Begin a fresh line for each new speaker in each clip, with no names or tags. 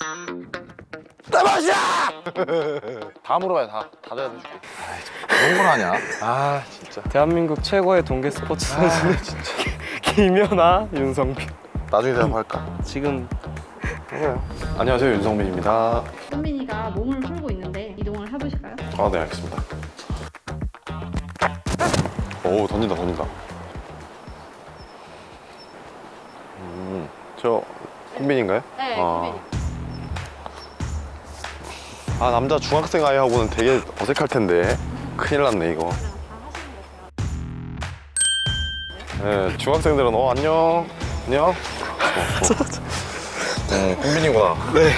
따마샤! 다 물어봐요. 다 대답해줄게. 그런 걸 하냐? 아 진짜.
대한민국 최고의 동계 스포츠 선수
진짜.
김연아, 윤성빈.
나중에 대답할까?
지금
해요. 안녕하세요, 윤성빈입니다.
선빈이가 몸을 풀고 있는데 이동을 해보실까요?
아, 네, 알겠습니다. 오, 던진다. 저 kun빈인가요?
네,
아. 아, 남자 중학생 아이하고는 되게 어색할 텐데. 큰일 났네, 이거. 네, 중학생들은 안녕. kun빈이구나.
네.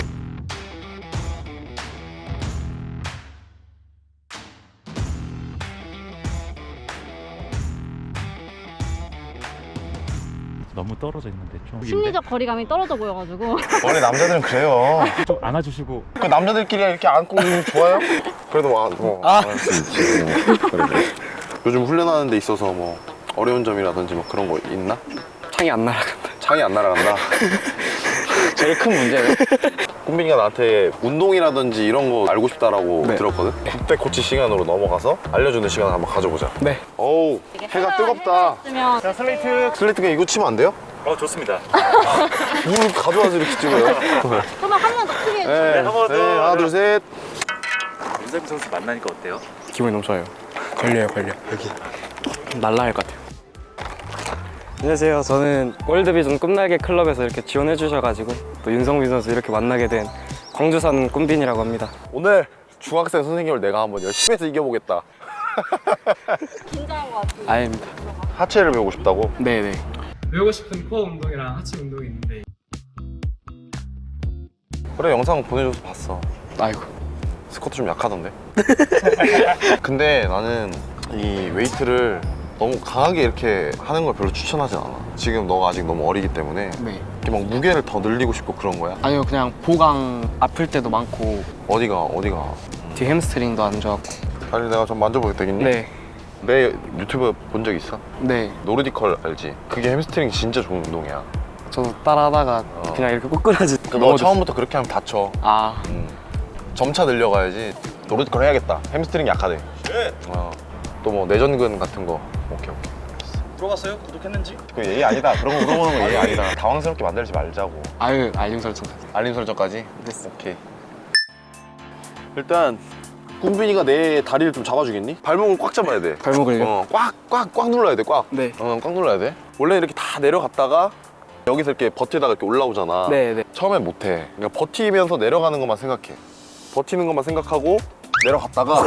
너무 떨어져 있는데 좀
심리적 거리감이 떨어져 보여가지고
원래 남자들은 그래요.
좀 안아주시고.
그 남자들끼리 이렇게 안고 있는 거 좋아요? 그래도 안할 수 있지. 그래. 요즘 훈련하는 데 있어서 뭐 어려운 점이라든지 뭐 그런 거 있나?
창이 안 날아간다.
창이 안 날아간다. 제일 큰 문제는 kun빈이가 나한테 운동이라든지 이런 거 알고 싶다라고
네.
들었거든? 그때 코치 시간으로 넘어가서 알려주는 시간 한번 가져보자.
네.
어우, 해가 뜨겁다.
했으면
자, 슬레이트.
슬레이트 그냥 이거 치면 안 돼요?
좋습니다.
뭘 가져와서 이렇게 찍어요?
한번 한 번 더 크게 해주세요.
네,
한 번 더.
하나 둘 셋.
윤상빈 선수 만나니까 어때요?
기분이 너무 좋아요. 걸려 여기 날라갈 것 같아요. 안녕하세요. 저는 월드비전 꿈날개 클럽에서 이렇게 지원해 주셔가지고 또 윤성빈 선수 이렇게 만나게 된 광주 사는 kun빈이라고 합니다.
오늘 중학생 선생님을 내가 한번 열심히 해서 이겨보겠다.
긴장한 것 같아요.
아닙니다.
하체를 배우고 싶다고?
네네. 배우고 싶은 코어 운동이랑 하체 운동이 있는데.
그래, 영상 보내줘서 봤어.
아이고.
스쿼트 좀 약하던데. 근데 나는 이 웨이트를 너무 강하게 이렇게 하는 걸 별로 추천하진 않아. 지금 너가 아직 너무 어리기 때문에
네.
이렇게 막 무게를 더 늘리고 싶고 그런 거야?
아니요, 그냥 보강 아플 때도 많고
어디가?
뒤 햄스트링도 안 좋았고.
다리 내가 좀 만져보게 되겠니?
네.
내 유튜브 본 적 있어?
네.
노르디컬 알지? 그게 햄스트링 진짜 좋은 운동이야.
저도 따라하다가 그냥 이렇게 꼬꾸라지.
너 처음부터 그렇게 하면 다쳐.
아.
점차 늘려가야지. 노르디컬 해야겠다. 햄스트링 약하대.
네.
또 뭐 내전근 같은 거. 오케이.
물어봤어요? 구독했는지?
그 예의 아니다. 그런 거 물어보는 거 예의 아니다. 당황스럽게 만들지 말자고.
아유, 알림 설정.
알림 설정까지?
됐어.
오케이. 일단 kun빈이가 내 다리를 좀 잡아주겠니? 발목을 꽉 잡아야 돼.
발목을요?
꽉 눌러야 돼. 꽉.
네.
꽉 눌러야 돼. 원래 이렇게 다 내려갔다가 여기서 이렇게 버티다가 이렇게 올라오잖아.
네.
처음엔 못해. 그러니까 버티면서 내려가는 것만 생각해. 버티는 것만 생각하고 내려갔다가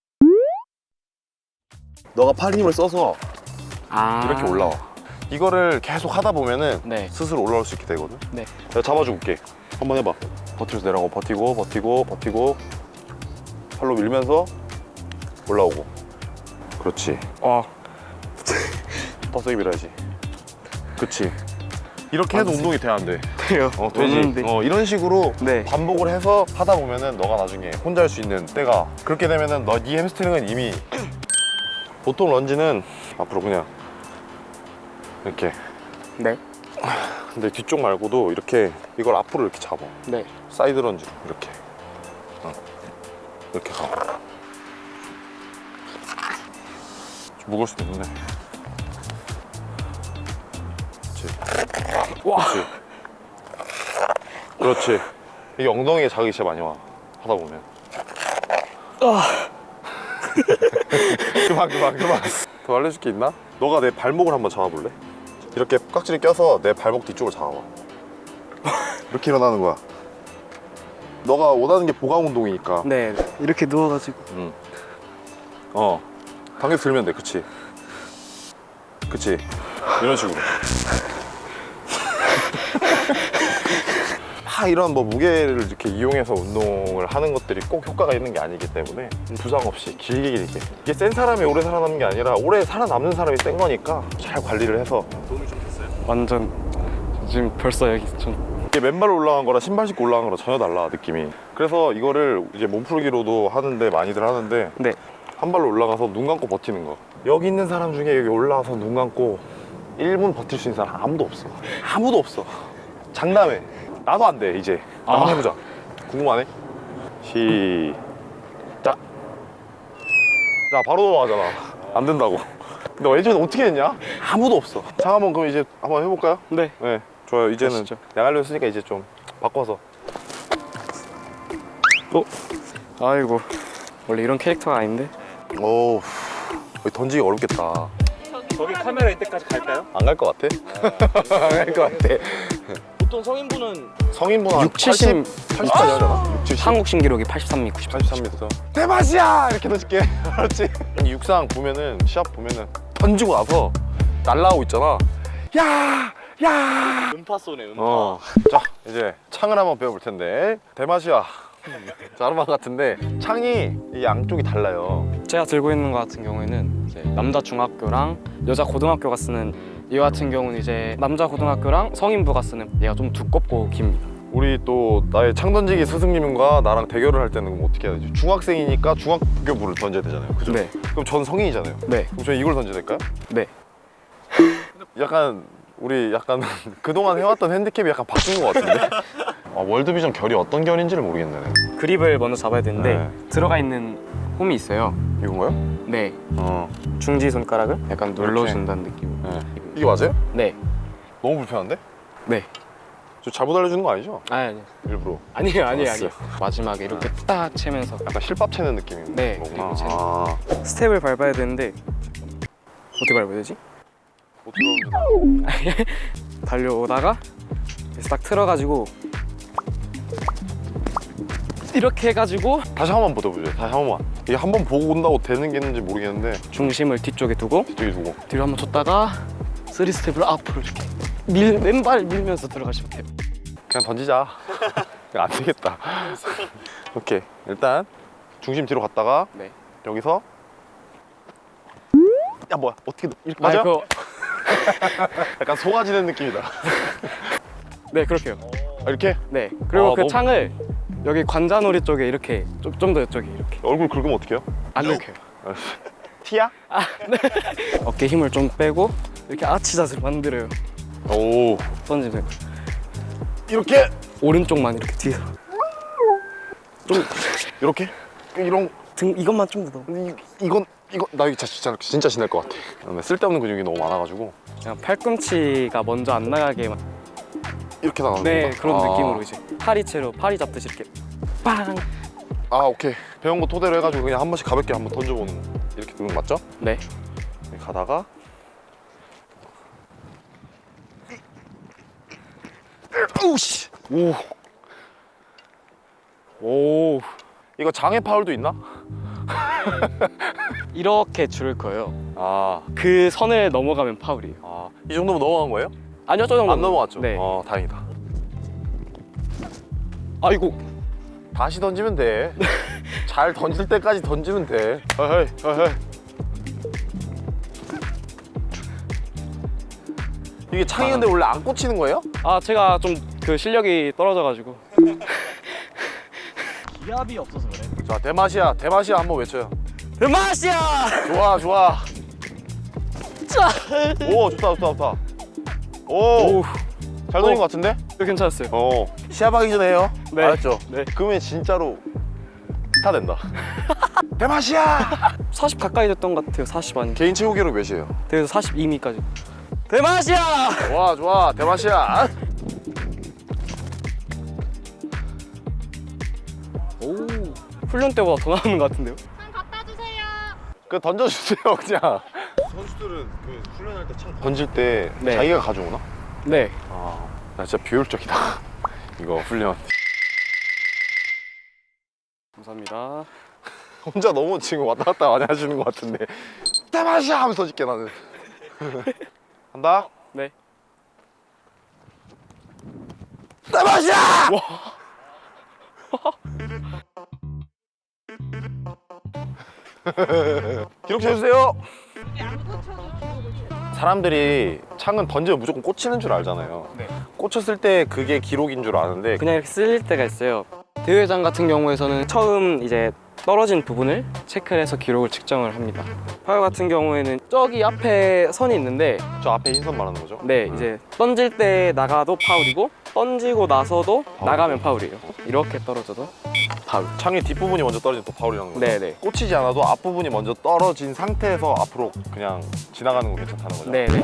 너가 팔 힘을 써서
아.
이렇게 올라와. 이거를 계속 하다 보면은
네.
스스로 올라올 수 있게 되거든.
네.
내가 잡아줄게. 한번 해봐. 버티면서 내려가고 버티고 팔로 밀면서 올라오고. 그렇지.
와.
더 세게 밀어야지. 그렇지. 이렇게 해도 운동이 돼, 안 돼?
돼요.
되지.
오는데.
이런 식으로
네.
반복을 해서 하다 보면은 너가 나중에 혼자 할 수 있는 때가, 그렇게 되면은 네 햄스트링은 이미, 보통 런지는 앞으로 그냥 이렇게.
네.
근데 뒤쪽 말고도 이렇게 이걸 앞으로 이렇게 잡아.
네.
사이드 런지 이렇게. 이렇게 가. 좀 무거울 수도 있는데. 그렇지.
와.
그렇지. 이게 엉덩이에 자극이 진짜 많이 와. 하다 보면. 그만. 더 알려줄 게 있나? 너가 내 발목을 한번 잡아볼래? 이렇게 깍지를 껴서 내 발목 뒤쪽을 잡아봐. 이렇게 일어나는 거야. 너가 원하는 게 보강 운동이니까.
네. 이렇게 누워가지고.
당겨 들면 돼. 그치. 이런 식으로. 이런 뭐 무게를 이렇게 이용해서 운동을 하는 것들이 꼭 효과가 있는 게 아니기 때문에 부상 없이 길게 이게 센 사람이 오래 살아남는 게 아니라 오래 살아남는 사람이 센 거니까 잘 관리를 해서.
도움이 좀 됐어요?
완전 지금 벌써 여기 좀.
이게 맨발로 올라간 거랑 신발 신고 올라간 거랑 전혀 달라, 느낌이. 그래서 이거를 이제 몸풀기로도 하는데, 많이들 하는데,
네.
한 발로 올라가서 눈 감고 버티는 거. 여기 있는 사람 중에 여기 올라와서 눈 감고 1분 버틸 수 있는 사람 아무도 없어. 장담해. 나도 안 돼, 이제. 한번 해보자. 궁금하네. 시작. 자, 바로 넘어가잖아. 안 된다고. 근데 예전에 어떻게 했냐? 아무도 없어. 자, 한번 그럼 이제 한번 해볼까요?
네.
네, 좋아요. 이제는
하시죠.
내가 알려줬으니까 이제 좀 바꿔서.
아이고 원래 이런 캐릭터가 아닌데.
오, 던지기 어렵겠다.
저기 카메라 있을 때까지 갈까요?
안 갈 것 같아? 안 갈 것 같아.
보통 성인분은
성인분 한
6, 70
80까지 하잖아. 6, 70.
한국 신기록이 83미 98.
83m. 대맛이야! 이렇게 던질게. 그렇지. 육상 보면은, 시합 보면은 던지고 나서 날라오고 있잖아. 야! 야!
음파 쏘네 음파.
자, 이제 창을 한번 배워볼 텐데. 대맛이야. 자르만 같은데 창이 이 양쪽이 달라요.
제가 들고 있는 거 같은 경우에는 이제 남자 중학교랑 여자 고등학교가 쓰는 이 같은 경우는 이제 남자 고등학교랑 성인부가 쓰는 얘가 좀 두껍고 깁니다.
우리 또 나의 창 던지기 스승님과 나랑 대결을 할 때는 그럼 어떻게 해야 되지? 중학생이니까 중학교부를 던져야 되잖아요. 그죠?
네.
그럼 전 성인이잖아요.
네.
그럼 저희 이걸 던져야 될까요?
네.
약간 우리 약간 그동안 해왔던 핸디캡이 약간 바뀐 것 같은데? 월드비전 결이 어떤 결인지를 모르겠네.
그립을 먼저 잡아야 되는데
네.
들어가 있는 홈이 있어요.
이건가요?
네.
어.
중지 손가락을 약간 눌러준다는 느낌.
네. 이게 맞아요?
네.
너무 불편한데?
네.
저 잘못 알려주는 거 아니죠?
아니
일부러.
아니에요 아니에요
알았어요.
아니에요. 마지막에 이렇게 딱 채면서
약간 실밥 채는 느낌인
네,
거구나.
그리고 채는.
아.
스텝을 밟아야 되는데 어떻게 밟아야 되지?
어떻게 보면
달려오다가 그래서 딱 틀어가지고 이렇게 해가지고
다시 한 번 보여보죠. 다시 한 번만. 이게 한 번 보고 온다고 되는 게 있는지 모르겠는데
중심을 뒤쪽에 두고
뒤쪽에 두고.
뒤로 한번 줬다가 3스텝을 앞으로 이렇게 왼발 밀면서 들어가시면 돼요.
그냥 던지자. 안 되겠다. 오케이. 일단 중심 뒤로 갔다가
네.
여기서 야 뭐야 어떻게 이렇게 맞아요?
그거
약간 속아지는 느낌이다.
네 그렇게요.
이렇게
네 그리고 그
너무-
창을 여기 관자놀이 쪽에 이렇게 좀 더 이쪽에 이렇게
얼굴 긁으면 어떡해요?
안 긁혀요.
티야?
어깨 힘을 좀 빼고 이렇게 아치 자세를 만들어요.
오
던지면
이렇게
오른쪽만 이렇게 뒤에서
이렇게 이런
등 이것만 좀 더 넣어.
이건 나 이거 진짜 신날 것 같아. 쓸데없는 근육이 너무 많아가지고
그냥 팔꿈치가 먼저 안 나가게
이렇게 나가는
네
건가?
그런
아.
느낌으로 이제 파리채로 파리 잡듯이 이렇게 빵.
아 오케이 배운 거 토대로 해가지고 그냥 한 번씩 가볍게 한번 던져보는 이렇게 두는 거 맞죠?
네.
이렇게 가다가 오우씨
오
이거 장애 파울도 있나?
이렇게 줄을 거예요.
아,
그 선을 넘어가면 파울이에요.
이 정도면 넘어간 거예요?
아니요 저 정도
안 넘어갔죠?
네.
다행이다.
아이고
다시 던지면 돼. 잘 던질 때까지 던지면 돼. 헤이, 헤이. 이게 창이 근데 원래 안 꽂히는 거예요?
아 제가 좀 그 실력이 떨어져가지고
기압이 없어서 그래.
자, 대마시아 한번 외쳐요.
대마시아.
좋아. 오, 좋다. 오, 잘 던진 것 같은데?
괜찮았어요.
시합하기 전에 해요.
네.
알았죠?
네.
그러면 진짜로 스타 된다. 대마시아!
40 가까이 됐던 것 같아요. 40 아니.
개인 최고 기록 몇이에요?
그래서 42미까지. 대마시아.
좋아, 대마시아.
오 훈련 때보다 더 나오는 것 같은데요?
창 갖다 주세요.
그 던져주세요, 그냥. 선수들은 그 훈련할 때 창 던질 때
네.
자기가 가져오나?
네.
나 진짜 비효율적이다. 이거 훈련.
감사합니다.
혼자 너무 지금 왔다 갔다 많이 하시는 것 같은데. 대마시아 하면서 던질게 나는. 간다.
네.
대마시아! 기록 쳐주세요. 사람들이 창은 던지면 무조건 꽂히는 줄 알잖아요.
네.
꽂혔을 때 그게 기록인 줄 아는데
그냥 이렇게 쓸 때가 있어요. 대회장 같은 경우에서는 처음 이제 떨어진 부분을 체크를 해서 기록을 측정을 합니다. 파울 같은 경우에는 저기 앞에 선이 있는데
저 앞에 흰선 말하는 거죠?
네 이제 던질 때 나가도 파울이고 던지고 나서도 나가면 파울이에요. 이렇게 떨어져도 파울.
창의 뒷부분이 먼저 떨어지면 또 파울이라는 거죠?
네네.
꽂히지 않아도 앞부분이 먼저 떨어진 상태에서 앞으로 그냥 지나가는 거 괜찮다는 거죠?
네네.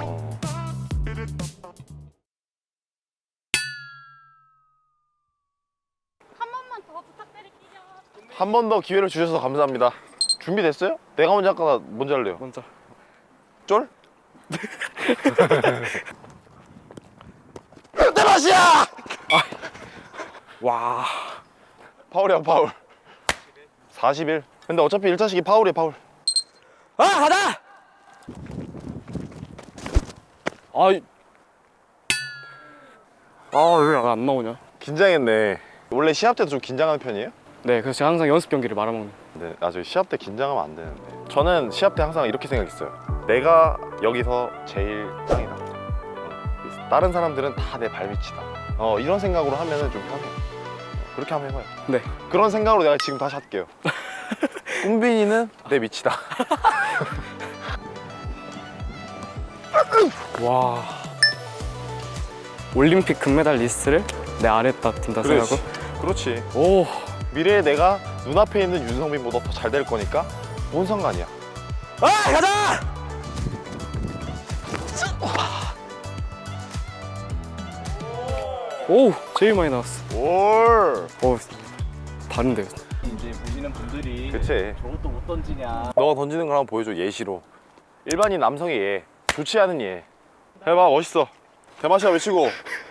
한 번만 더 부탁드릴게요.
한 번 더 기회를 주셔서 감사합니다. 준비됐어요? 내가 먼저 할까? 먼저 할래요?
먼저.
쫄? 내 맛이야!
와.
파울이야 파울. 41. 근데 어차피 1차식이 파울이야 파울.
아 가자. 아왜 안 나오냐?
긴장했네. 원래 시합 때도 좀 긴장하는 편이에요?
네, 그래서 제가 항상 연습 경기를 말아먹는.
네, 아주 시합 때 긴장하면 안 되는데. 저는 시합 때 항상 이렇게 생각했어요. 내가 여기서 제일 짱이다. 다른 사람들은 다 내 발밑이다. 이런 생각으로 하면은 좀 편해요. 그렇게 한번 해봐요.
네.
그런 생각으로 내가 지금 다시 할게요. 꿈빈이는 내 밑이다.
와. 올림픽 금메달 리스트를 내 아래다 둔다 생각하고.
그렇지.
오.
미래에 내가 눈앞에 있는 윤성빈보다 더 잘 될 거니까 뭔 상관이야.
아 가자. 오 제일 많이 나왔어.
올.
오 다른데요.
이제 보시는 분들이
그치.
저것도 못 던지냐.
너가 던지는 걸 한번 보여줘. 예시로. 일반인 남성의 예. 좋지 않은 예. 해봐. 멋있어. 대마시아 외치고.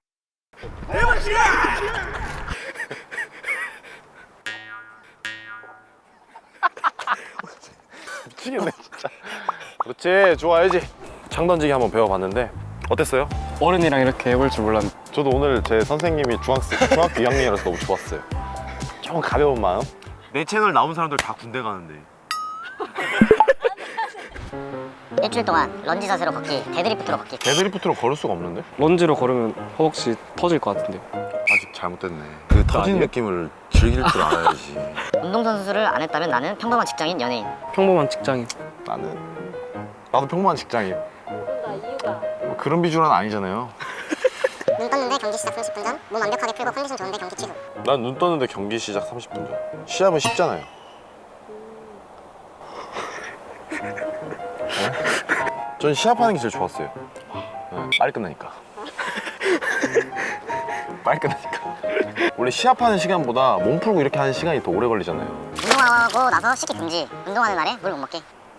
미치겠네 진짜. 그렇지. 좋아야지. 창 던지기 한번 배워봤는데 어땠어요?
어른이랑 이렇게 해볼 줄 몰랐는데.
저도 오늘 제 선생님이 중학교 2학년이라서 너무 좋았어요. 좀 가벼운 마음. 내 채널 나온 사람들 다 군대 가는데.
일주일 동안 런지 자세로 걷기, 데드리프트로 걷기.
데드리프트로 걸을 수가 없는데?
런지로 걸으면 허벅지 터질 것 같은데.
아직 잘못됐네. 그 터진 느낌을 즐길 줄 알아야지.
운동선수를 안 했다면 나는 평범한 직장인 연예인.
평범한 직장인.
나도 평범한 직장인. 뭐 그런 비주얼은 아니잖아요.
눈 떴는데 경기 시작 30분 전, 몸 완벽하게 풀고 컨디션 좋은데 경기 취소.
난 눈 떴는데 경기 시작 30분 전. 시합은 쉽잖아요. 전 시합하는 게 제일 좋았어요. 네, 빨리 끝나니까. 빨리 끝나니까. 원래 시합하는 시간보다 몸 풀고 이렇게 하는 시간이 더 오래 걸리잖아요.
운동하고 나서 식기 금지. 운동하는 날에 물 못 먹게.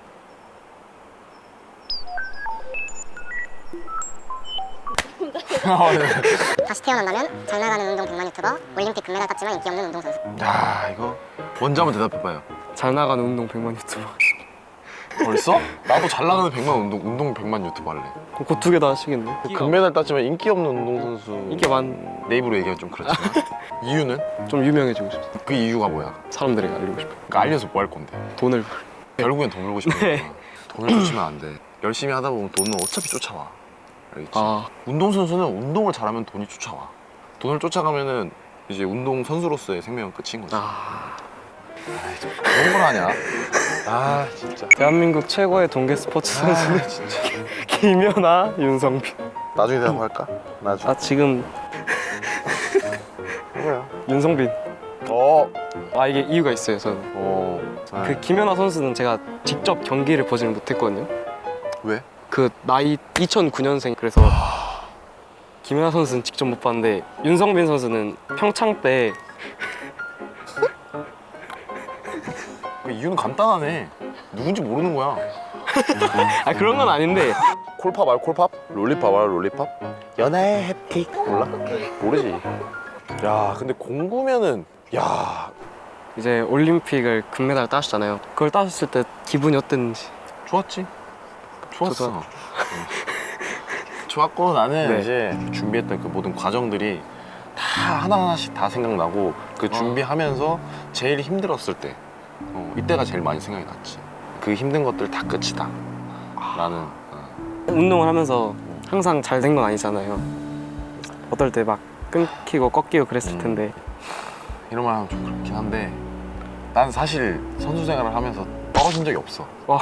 다시 태어난다면 잘 나가는 운동 100만 유튜버, 올림픽 금메달 땄지만 인기 없는 운동선수.
야, 이거 먼저 한번 대답해봐요.
잘 나가는 운동 100만 유튜버.
벌써? 나도 잘 나가는 100만 운동 100만 유튜버 할래.
그거 두 개 다 하시겠네.
금메달 땄지만 인기 없는 운동선수.
이게 만.
내 입으로 얘기하면 좀 그렇지만 이유는?
좀 유명해지고 싶어.
그 이유가 뭐야?
사람들에게 알리고 싶어.
그러니까 알려서 뭐 할 건데?
돈을.
결국엔 돈 벌고 싶은
네.
거야. 돈을 쫓으면 안 돼. 열심히 하다 보면 돈은 어차피 쫓아와. 알겠지?
아
운동선수는 운동을 잘하면 돈이 쫓아와. 돈을 쫓아가면은 이제 운동선수로서의 생명은 끝인 거지. 아이, 좀 그런 걸 하냐? 아 진짜.
대한민국 최고의 동계 스포츠 선수는
진짜.
김연아, 윤성빈.
나중에 대답할까? 나중에.
아 지금
뭐야?
윤성빈. 아 이게 이유가 있어요. 저는 그 김연아 선수는 제가 직접 경기를 보지는 못했거든요.
왜?
그 나이 2009년생. 그래서 김연아 선수는 직접 못 봤는데 윤성빈 선수는 평창 때.
그 이유는 간단하네. 누군지 모르는 거야.
아 그런 건 아닌데.
콜팝 알아? 콜팝? 롤리팝 알아? 롤리팝? 연하의 햅틱 몰라? 모르지. 야 근데 공구면은 야
이제 올림픽을 금메달 따셨잖아요. 그걸 따셨을 때 기분이 어땠는지.
좋았지. 좋았어.
저도.
좋았고 나는
네.
이제 준비했던 그 모든 과정들이 다 하나하나씩 다 생각나고 그 준비하면서 제일 힘들었을 때 이때가 제일 많이 생각이 났지. 그 힘든 것들 다 끝이다. 나는
운동을 하면서 항상 잘 된 건 아니잖아요. 어떨 때 막 끊기고 꺾이고 그랬을 텐데.
이런 말 하면 좀 그렇긴 한데 난 사실 선수 생활을 하면서 떨어진 적이 없어.
와.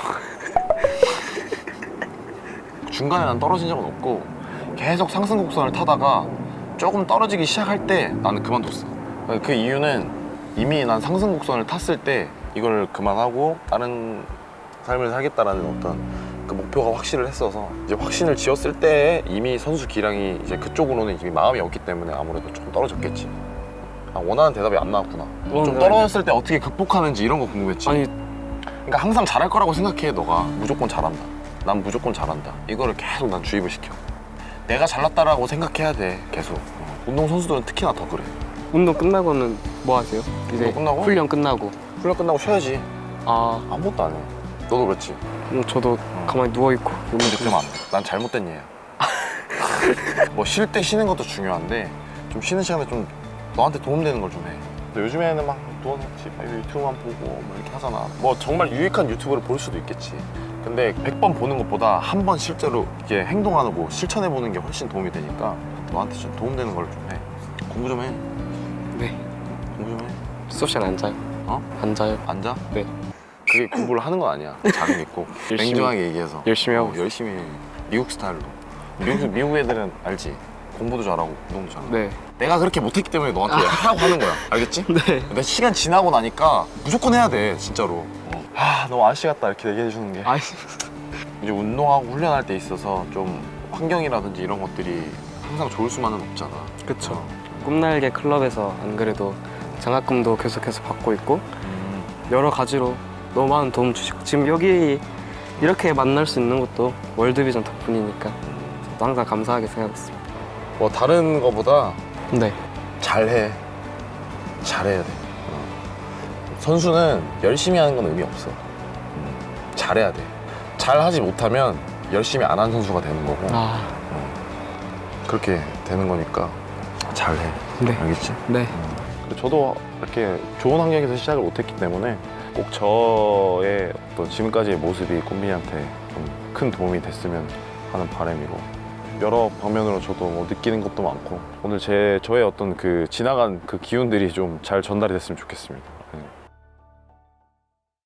중간에 난 떨어진 적은 없고 계속 상승 곡선을 타다가 조금 떨어지기 시작할 때 나는 그만뒀어. 그 이유는 이미 난 상승 곡선을 탔을 때 이걸 그만하고 다른 삶을 살겠다라는 어떤 그 목표가 확실을 했어서 이제 확신을 지었을 때 이미 선수 기량이 이제 그쪽으로는 이미 마음이 없기 때문에 아무래도 조금 떨어졌겠지. 아, 원하는 대답이 안 나왔구나. 좀 떨어졌을 때 어떻게 극복하는지 이런 거 궁금했지.
아니
그러니까 항상 잘할 거라고 생각해. 너가 무조건 잘한다. 난 무조건 잘한다. 이거를 계속 난 주입을 시켜. 내가 잘났다라고 생각해야 돼. 계속. 운동 선수들은 특히나 더 그래.
운동 끝나고는 뭐 하세요? 이제
운동 끝나고?
훈련 끝나고.
훈련 끝나고 쉬어야지.
아
아무것도 안 해. 너도 그렇지.
저도 가만히 누워 있고.
근데 그러면 안 돼. 난 잘못된 얘야. 뭐 쉴 때 쉬는 것도 중요한데 좀 쉬는 시간에 좀 너한테 도움되는 걸 좀 해. 근데 요즘에는 막 누워서 유튜브만 보고 뭐 이렇게 하잖아. 뭐 정말 유익한 유튜브를 볼 수도 있겠지. 근데 100번 보는 것보다 한 번 실제로 이게 행동하고 실천해 보는 게 훨씬 도움이 되니까 너한테 좀 도움되는 걸 좀 해. 공부 좀 해.
네.
공부 좀 해.
수업 시간 안 자요?
어?
안 자요?
앉아?
네.
그게 공부를 하는 건 아니야. 자는 게 있고.
열심히.
냉정하게 얘기해서.
열심히 하고.
열심히 해. 미국 스타일로. 미국 애들은 알지? 공부도 잘하고 운동도 잘하고.
네.
내가 그렇게 못했기 때문에 너한테 하라고 하는 거야. 알겠지?
네.
근데 시간 지나고 나니까 무조건 해야 돼. 진짜로. 너무 아저씨 같다 이렇게 얘기해 주는 게.
아이
이제 운동하고 훈련할 때 있어서 좀 환경이라든지 이런 것들이 항상 좋을 수만은 없잖아.
그쵸. 꿈날개 클럽에서 안 그래도 장학금도 계속해서 받고 있고 여러 가지로 너무 많은 도움 주시고 지금 여기 이렇게 만날 수 있는 것도 월드비전 덕분이니까 저도 항상 감사하게 생각하고 있습니다.
뭐 다른 거보다
네.
잘해. 잘해야 돼. 선수는 열심히 하는 건 의미 없어. 잘해야 돼. 잘하지 못하면 열심히 안 한 선수가 되는 거고
아,
그렇게 되는 거니까 잘해.
네.
알겠지?
네.
저도 이렇게 좋은 환경에서 시작을 못했기 때문에 꼭 저의 어떤 지금까지의 모습이 꽃민이한테 좀 큰 도움이 됐으면 하는 바람이고 여러 방면으로 저도 뭐 느끼는 것도 많고 오늘 저의 어떤 그 지나간 그 기운들이 좀 잘 전달이 됐으면 좋겠습니다.